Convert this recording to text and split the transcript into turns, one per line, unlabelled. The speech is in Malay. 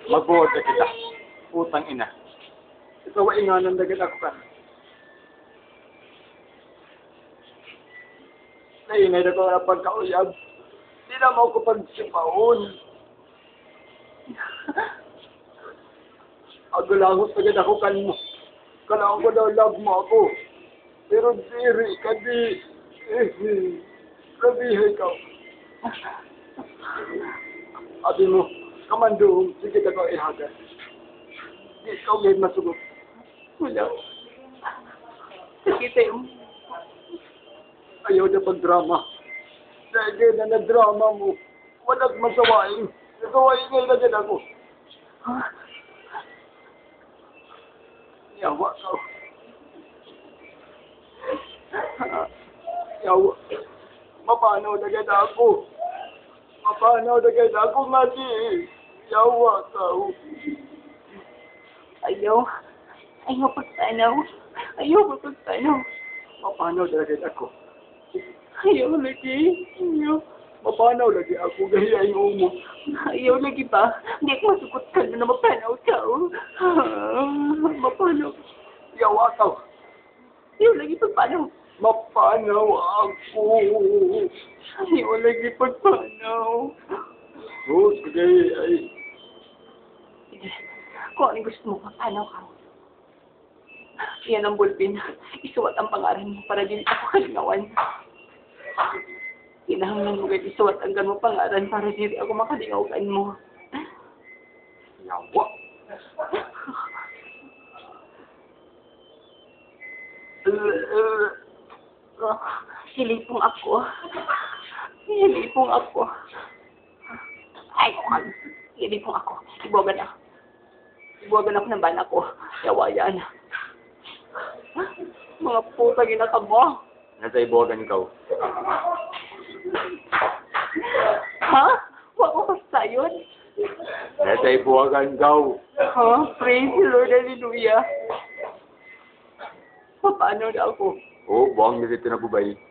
Magbuhat ka kita. Putang ina. Ikaw ay inganan na kita ko ka. Nainay na ko na pagkauyab. Di na mo ko pagsipaon. Agulangos na kita ko kan mo. Kailangan ko daw love mo ako. Pero diri ka di. Rabihay ka. Abi mo, kamandong, sige ka ko ihagat. Di ikaw ngayon masugot.
Wala. Sakita yung...
Ayaw na pag-drama. Dahil na na-drama mo, walang masawain. Nasawain ngayon na din ako. Yawa ka. Yawa. Mapanaw na ganda ako. Mapanaw na ganda ako nga di. Yawa ka.
Ayaw. Ayaw pagtanaw. Ayaw pagtanaw.
Mapanaw na ganda ako.
Ayaw lagi. Ayaw.
Mapanaw lagi ako. Gahiyayin mo.
Ayaw lagi ba? Hindi ko masukot ka na mapanaw ka. Mapanaw.
Yawa ka.
Ayaw lagi pagpanaw.
Mapanaw ako.
Ayaw lagi pagpanaw.
Oh, sige. Ay.
Sige. Kung ano gusto mo, mapanaw ka. Yan ang bulpin. Isuwat ang pangalan mo para din ako kalingawan. Kinahanglan mo kayo isuwat ang ganong pangalan para din ako makalingawan mo.
Yawa.
Silipong ako. Silipong ako. Ay, silipong ako. Ibuwagan ako. Ibuwagan ako ng bana ko. Yawa yan. Mga puta ginaka mo.
Nasa ibuwagan ikaw.
Ha? Huwag ko sa yun.
Nasa ibuwagan ikaw.
Ha? Praise the Lord, hallelujah. Paano na ako?
Oh, buwang na dito na bubay.